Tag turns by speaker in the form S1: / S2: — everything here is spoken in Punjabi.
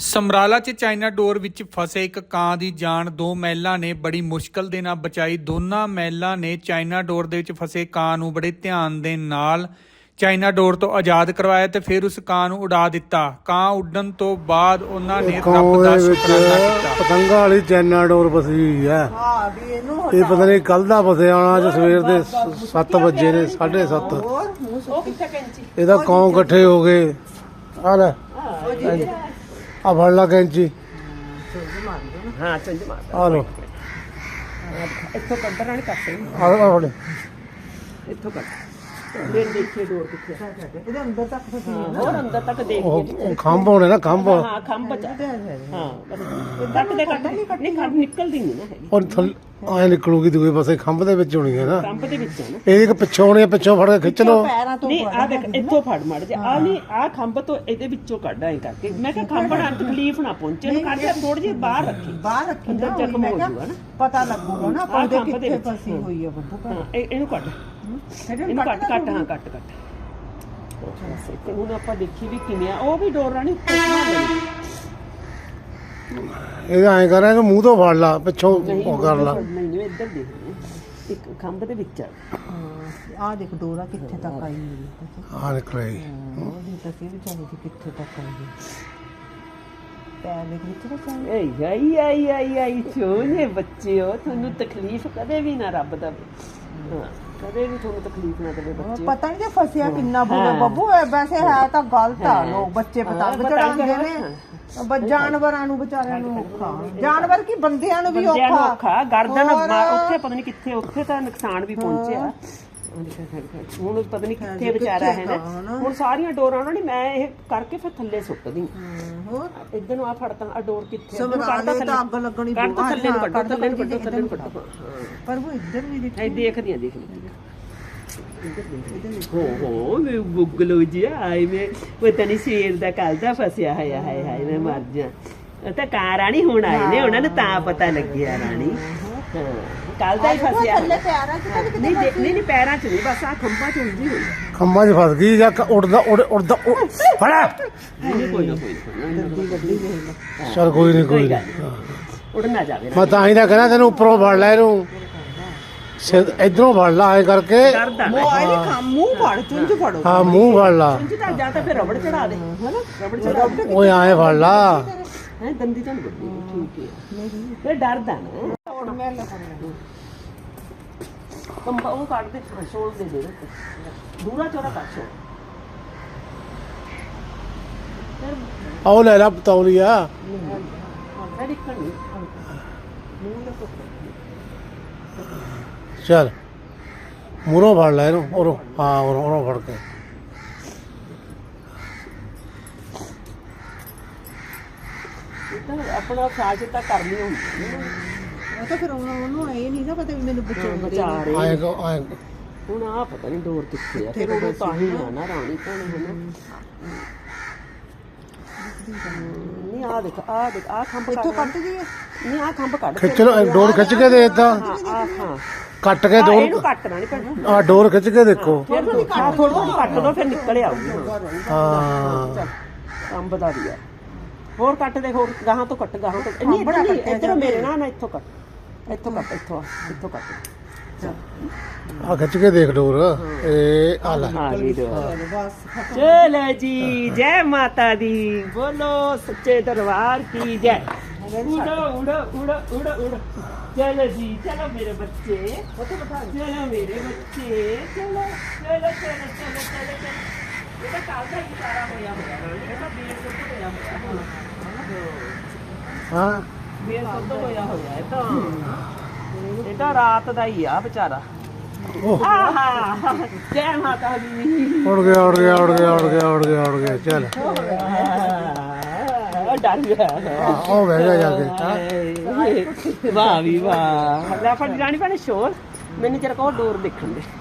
S1: ਸਮਰਾਲਾ 'ਚ ਚਾਈਨਾ ਡੋਰ ਵਿੱਚ ਫਸੇ ਇੱਕ ਕਾਂ ਦੀ ਜਾਨ ਦੋ ਮਹਿਲਾ ਨੇ ਬੜੀ ਮੁਸ਼ਕਲ ਦੇ ਨਾਲ ਬਚਾਈ। ਦੋਨਾਂ ਮਹਿਲਾ ਨੇ ਚਾਈਨਾ ਡੋਰ ਦੇ ਵਿੱਚ ਫਸੇ ਕਾਂ ਨੂੰ ਬੜੇ ਧਿਆਨ ਦੇ ਨਾਲ ਚਾਈਨਾ ਡੋਰ ਤੋਂ ਆਜ਼ਾਦ ਕਰਵਾਇਆ ਤੇ ਫਿਰ ਉਸ ਕਾਂ ਨੂੰ ਉਡਾ ਦਿੱਤਾ। ਕਾਂ ਉੱਡਣ ਤੋਂ ਬਾਅਦ ਉਹਨਾਂ ਨੇ ਰੱਬ ਦਾ ਸ਼ੁਕਰਾਨਾ ਕੀਤਾ।
S2: ਪਤੰਗਾ ਵਾਲੀ ਚਾਈਨਾ ਡੋਰ ਫਸੀ ਹੋਈ ਹੈ। ਇਹ ਪਤਾ ਨਹੀਂ ਕੱਲ ਦਾ ਫਸਿਆ ਹੋਣਾ, ਅੱਜ ਸਵੇਰ ਦੇ 7 ਵਜੇ ਨੇ 7:30। ਇਹਦਾ ਕੌਂ ਇਕੱਠੇ ਹੋ ਗਏ। ਆ ਲੈ ਆ ਫੜ ਲਾ ਕੈਂਚੀ।
S3: ਹਾਂ ਚੰਜ ਮਾਰ
S2: ਆ ਲੋ
S3: ਇੱਥੋਂ ਕੱਢਣ ਵਾਲੀ ਕੱਟ
S2: ਆ ਫੜ
S3: ਇੱਥੋਂ ਕੱਟ ਲੈ ਦੇਖੇ ਡੋਰ ਕਿੱਥੇ ਇਹਦੇ ਅੰਦਰ ਤੱਕ ਫਸੀ ਹੈ ਹੋਰ ਅੰਦਰ ਤੱਕ ਦੇਖ
S2: ਉਹ ਖੰਭ ਹੋਣੇ ਨਾ, ਖੰਭ।
S3: ਹਾਂ ਖੰਭ ਬਚਾ ਹਾਂ ਕੱਟ ਦੇ ਕੱਟ ਨਹੀਂ ਕੱਟ ਨਿਕਲਦੀ ਨਹੀਂ ਨਾ ਹੈਗੀ।
S2: ਉਹ ਥੱਲੇ ਆਏ ਨਿਕਲੂਗੀ ਦੂਏ ਪਾਸੇ, ਖੰਭ ਦੇ ਵਿੱਚ ਹੋਣੀ ਹੈ ਨਾ।
S3: ਖੰਭ ਦੇ ਵਿੱਚ ਹੈ ਨਾ
S2: ਇਹ ਇੱਕ ਪਿੱਛੋਂ ਹੋਣੀ ਹੈ, ਪਿੱਛੋਂ ਫੜ ਕੇ ਖਿੱਚ ਲੋ।
S3: ਨਹੀਂ ਆ ਦੇਖ ਇੱਥੋਂ ਫੜ ਮੜ ਜਾ ਆ ਨਹੀਂ ਆ ਖੰਭ ਤੋਂ ਇਹਦੇ ਵਿੱਚੋਂ ਕੱਢ ਆਏ ਕਰਕੇ। ਮੈਂ ਕਿਹਾ ਖੰਭ ਨਾਲ ਤਕਲੀਫ ਨਾ ਪਹੁੰਚੇ ਨੂੰ ਕੱਢ ਥੋੜੀ ਜਿਹੀ ਬਾਹਰ ਰੱਖੀ ਅੰਦਰ ਜ਼ਖਮ ਹੋ ਜੂਗਾ ਨਾ,
S4: ਪਤਾ ਲੱਗੂਗਾ ਨਾ ਆਪਾਂ ਦੇ ਕਿੱਥੇ ਫਸੀ ਹੋਈ ਹੈ ਬੱਬੂ।
S3: ਇਹਨੂੰ ਕੱਢ ਇਹਨੂੰ ਕੱਟ ਕੱਟ ਹਾਂ ਕੱਟ ਤੇ ਹੁਣ ਆਪਾਂ ਦੇਖੀ ਵੀ ਕਿਵੇਂ ਆ। ਉਹ ਵੀ ਡੋਰ ਰਾਣੀ
S2: ਇਹ ਐਂ ਕਰ ਰਿਹਾ ਕਿ ਮੂੰਹ ਤੋਂ ਫੜ ਲਾ, ਪਿੱਛੋਂ ਉਹ ਕਰ ਲਾ।
S3: ਨਹੀਂ ਇੱਧਰ ਦੇਖ ਇੱਕ ਖੰਭ ਦੇ ਵਿੱਚ
S4: ਆ ਦੇਖ ਡੋਰਾ ਕਿੱਥੇ ਤੱਕ ਆਈ ਹੋਈ
S2: ਆ ਨਿਕਲਿਆ
S4: ਉਹਦੀ ਤਾਂ ਕੀ ਵਿਚਾਰੀ ਦੀ ਕਿੱਥੇ ਤੱਕ ਆਈ ਪੈਰ ਦੇ ਵਿੱਚ ਤਾਂ
S3: ਆਈ ਸੋਹਣੇ ਬੱਚੇ ਹੋ। ਤੁਹਾਨੂੰ ਤਕਲੀਫ ਕਦੇ ਵੀ ਨਾ ਰੱਬ ਦਾ ਕਦੇ ਵੀ ਤੁਹਾਨੂੰ ਤਕਲੀਫ ਨਾ ਦੇਵੇ ਬੱਚੇ।
S4: ਪਤਾ ਨਹੀਂ ਜੇ ਫਸਿਆ ਕਿੰਨਾ ਬੁਰਾ ਬੱਬੂ। ਵੈਸੇ ਹੈ ਤਾਂ ਗਲਤ ਆ, ਲੋਕ ਬੱਚੇ ਪਤੰਗ ਚੜਾਉਂਦੇ ਨੇ। ਜਾਨਵਰਾਂ ਨੂੰ ਵਿਚਾਰਿਆਂ ਨੂੰ ਔਖਾ, ਜਾਨਵਰ ਕੀ ਬੰਦਿਆਂ ਨੂੰ ਵੀ ਔਖਾ।
S3: ਗਰਦਨ ਉੱਥੇ ਪਤਾ ਨਹੀਂ ਕਿੱਥੇ, ਉੱਥੇ ਤਾਂ ਨੁਕਸਾਨ ਵੀ ਪਹੁੰਚਿਆ। ਹੁਣ ਪਤਾ ਨਹੀਂ ਕਿੱਥੇ ਵਿਚਾਰਾ ਹੈ ਨਾ। ਹੁਣ ਸਾਰੀਆਂ ਡੋਰਾਂ ਉਹਨਾਂ ਨੇ ਮੈਂ ਇਹ ਕਰਕੇ ਫਿਰ ਥੱਲੇ ਸੁੱਟਦੀ
S4: ਹੋਰ
S3: ਇੱਧਰ ਨੂੰ ਆ ਫੜਤਾਂ ਆ ਡੋਰ ਕਿੱਥੇ
S4: ਸਮਰਾਲੇ ਤਾਂ ਅੱਗ ਲੱਗਣੀ
S3: ਕੱਢ ਥੱਲੇ ਨੂੰ ਕੱਢੋ ਥੱਲੇ ਨੂੰ ਕੱਢੋ
S4: ਪਰ ਉਹ ਇੱਧਰ ਵੀ
S3: ਦੇਖਦੀਆਂ ਹੋ ਮੈਂ ਗੁੱਗਲੋ ਜੀ ਆਈ ਮੈਂ ਪਤਾ ਨਹੀਂ ਸ਼ੇਰ ਦਾ ਕੱਲ ਦਾ ਫਸਿਆ ਹੋਇਆ ਹਾਏ ਮੈਂ ਮਰ ਜਾ। ਉਹ ਤਾਂ ਕਾਂ ਰਾਣੀ ਹੁਣ ਆਏ ਨੇ, ਉਹਨਾਂ ਨੂੰ ਤਾਂ ਪਤਾ ਲੱਗਿਆ ਰਾਣੀ ਕੱਲ ਦਾ ਹੀ ਫਸਿਆ। ਨਹੀਂ ਪੈਰਾਂ 'ਚ ਨਹੀਂ, ਬਸ ਆ ਖੰਭਾਂ 'ਚ ਉਲਝੀ ਹੋਈ।
S2: ਖੰਭਾਂ 'ਚ ਫਸ ਗਈ ਜਾਂ ਉੜਦਾ ਫੜਾ।
S3: ਕੋਈ ਨਾ
S2: ਚਲ ਕੋਈ ਨਹੀਂ
S3: ਉੜ ਨਾ ਜਾਵੇ।
S2: ਮੈਂ ਤਾਂ ਹੀ ਤਾਂ ਕਹਿੰਦਾ ਤੈਨੂੰ ਉੱਪਰੋਂ ਫੜ ਲੈ, ਇਹਨੂੰ ਇਧਰੋਂ ਫੜ ਲਾ ਐ ਕਰਕੇ।
S4: ਮੂੰਹ ਫੜ ਚੁੰਝ ਫੜੋ।
S2: ਹਾਂ ਮੂੰਹ ਫੜ ਲਾ
S3: ਜਾਂ ਤਾਂ ਫਿਰ ਰਬੜ ਚੜਾ ਦੇ ਹਨਾ, ਰਬੜ ਚੜਾ ਦੇ।
S2: ਓਏ ਐ ਫੜ ਲਾ
S3: ਹੈ ਦੰਦੀ ਤਾਂ ਨਹੀਂ ਠੀਕ ਹੈ ਫਿਰ ਡਰਦਾ ਨਾ। ਕੰਬਾ ਉਹ ਕੱਢ ਦੇ, ਛੋੜ ਦੇ ਦੂਰਾ ਚੋਰਾ ਕੱਢ ਛੋੜ।
S2: ਆਓ ਲੈ ਲਾ ਤੌਲੀਆ। ਚੱਲ ਮੂਹਰੋਂ ਫੜ ਲੈ ਇਹਨੂੰ, ਉਰੋਂ ਹਾਂ ਉਰੋਂ ਫੜ ਕੇ।
S3: ਆਪਣਾ ਸਾਜ ਤਾਂ ਕਰਨੀ ਹੁੰਦੀ
S4: ਉਹ ਤਾਂ ਫਿਰ ਉਹਨੂੰ ਇਹ ਨਹੀਂ ਨਾ ਪਤਾ ਵੀ ਮੈਨੂੰ
S3: ਬਚਾ ਰਹੇ।
S2: ਆਏ
S3: ਹੁਣ ਆ ਪਤਾ ਨਹੀਂ ਡੋਰ ਕਿੱਥੇ ਆ, ਫਿਰ ਉਹ ਤਾਂ ਹੀ ਨਾ ਰਾਣੀ ਭੈਣੇ ਹਨਾ। ਨਹੀਂ ਆ ਦੇਖ ਆ ਖੰਭ
S4: ਇੱਥੋਂ ਕੱਟ ਜੀ।
S3: ਨਹੀਂ ਆ ਖੰਭ ਕੱਢ
S2: ਖਿੱਚ ਲੋ, ਡੋਰ ਖਿੱਚ ਕੇ ਦੇ ਏਦਾਂ
S3: ਹਾਂ
S2: ਕੱਟ ਕੇ ਡੋਰ।
S3: ਇਹਨੂੰ ਕੱਟਣਾ ਨਹੀਂ ਪੈਣਾ।
S2: ਆ ਡੋਰ ਖਿੱਚ ਕੇ ਦੇਖੋ।
S3: ਫਿਰ ਥੋੜਾ ਕੱਟ ਦੋ, ਫਿਰ ਨਿਕਲ ਆਊਗੀ।
S2: ਹਾਂ
S3: ਅੰਬ ਦਾ ਵੀ ਆ। ਹੋਰ ਕੱਟ ਦੇ, ਹੋਰ ਗਾਹਾਂ ਤੋਂ ਕੱਟ, ਗਾਹਾਂ ਤੋਂ ਨਹੀਂ ਇੱਧਰੋਂ ਮੇਰੇ ਨਾਲ ਨਾ ਇੱਥੋਂ ਕੱਟ, ਇੱਥੋਂ ਕੱਟ
S2: ਆ ਖਿੱਚ ਕੇ ਦੇਖ ਡੋਰ। ਇਹ ਆ ਲੈ
S3: ਚਲੋ ਜੀ, ਜੈ ਮਾਤਾ ਦੀ, ਬੋਲੋ ਸੱਚੇ ਦਰਬਾਰ ਕੀ ਜੈ। ਉੜੋ ਚਲੋ ਜੀ, ਚਲੋ ਮੇਰੇ ਬੱਚੇ, ਚਲੋ ਮੇਰੇ ਬੱਚੇ, ਚਲੋ। ਇਹ ਤਾਂ ਕੱਲ ਦਾ ਹੀ ਸਾਰਾ ਹੋਇਆ ਇਹ ਤਾਂ ਬੇਰ ਸੁੱਟ ਹੋਇਆ
S2: ਹਾਂ
S3: ਬੇਰ ਸੁੱਟ ਹੋਇਆ ਇਹ ਤਾਂ ਰਾਤ ਦਾ ਹੀ ਆ ਵਿਚਾਰਾ। ਆਹਾ ਜੈ ਮਾਤਾ ਦੀ।
S2: ਉੜ ਗਿਆ ਚੱਲ
S3: ਡਰ ਗਿਆ।
S2: ਉਹ ਬਹਿ ਗਿਆ ਜਾ ਕੇ।
S3: ਵਾਹ ਵੀ ਵਾਹ। ਲੈ ਫੜ ਜਾਣੀ ਭੈਣੇ ਸ਼ੋਰ, ਮੈਨੂੰ ਜਰਾ ਕੋ ਡੋਰ ਦੇਖਣ ਦੇ।